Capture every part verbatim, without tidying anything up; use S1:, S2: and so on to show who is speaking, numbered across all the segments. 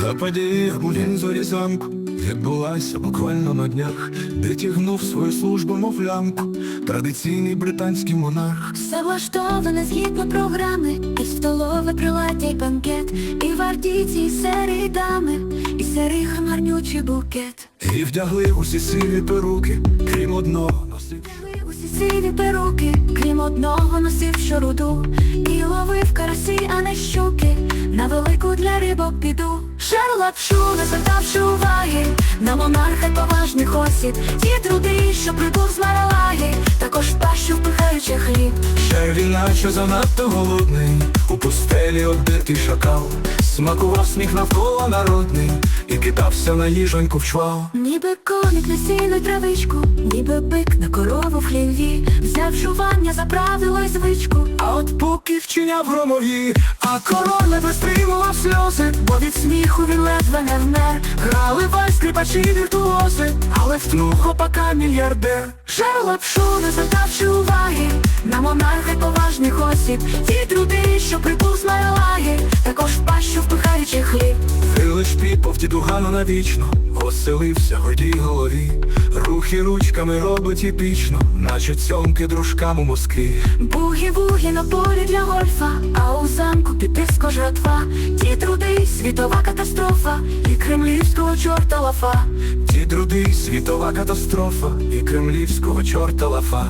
S1: А подія у Вінзорі замку відбулася буквально на днях, де тягнув свою службу, мов лямку, традиційний британський монарх.
S2: Все влаштоване згідно програми, і столове приладдя, й банкет, і гвардійці, і сері дами, і сирий хмарнючий букет.
S1: І вдягли усі сиві перуки, крім одного носив.
S2: Усі сиві перуки, крім одного носив щоруду, і ловив карасі, а не щуки, на велику для рибок біду. Жар лапшу, не звертавши уваги на монарха й поважних осіб, ті труди, що прибув з Маралаги, також в пащу впихаючи хліб.
S1: Ще він наче занадто голодний, у пустелі обдитий шакал, смакував сміх навколо народний і кидався на їжоньку в чвал.
S2: Ніби коник на сіну й травичку, ніби бик на корову в хліві, взяв жування за правило й звичку.
S1: А от поки вчиняв громові, а король ледве стримував сльози, бо від сміху він ледве не вмер. Грали вальс скрипачі віртуози, але втнув хлопака мільярдер.
S2: Жар лапшу, не звертавши уваги на монарха й поважних осіб, ті труди, що прибув з Маралаги, також в пащу впихаючи хліб.
S1: Лиш піпов дідугану навічно, оселився гордій голові, рухи ручками робить епічно, наче цьомки дружкам у Москві.
S2: Бугі-бугі на полі для гольфа, а у замку піпівська жратва, ті труди, світова катастрофа, і кремлівського чорта лафа.
S1: Ті труди, світова катастрофа, і кремлівського чорта лафа.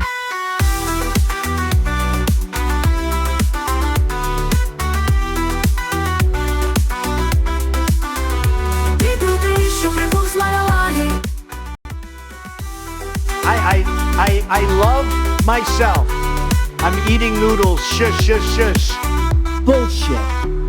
S3: I, I, I, I love myself. I'm eating noodles. Shush, shush, shush.
S4: Bullshit.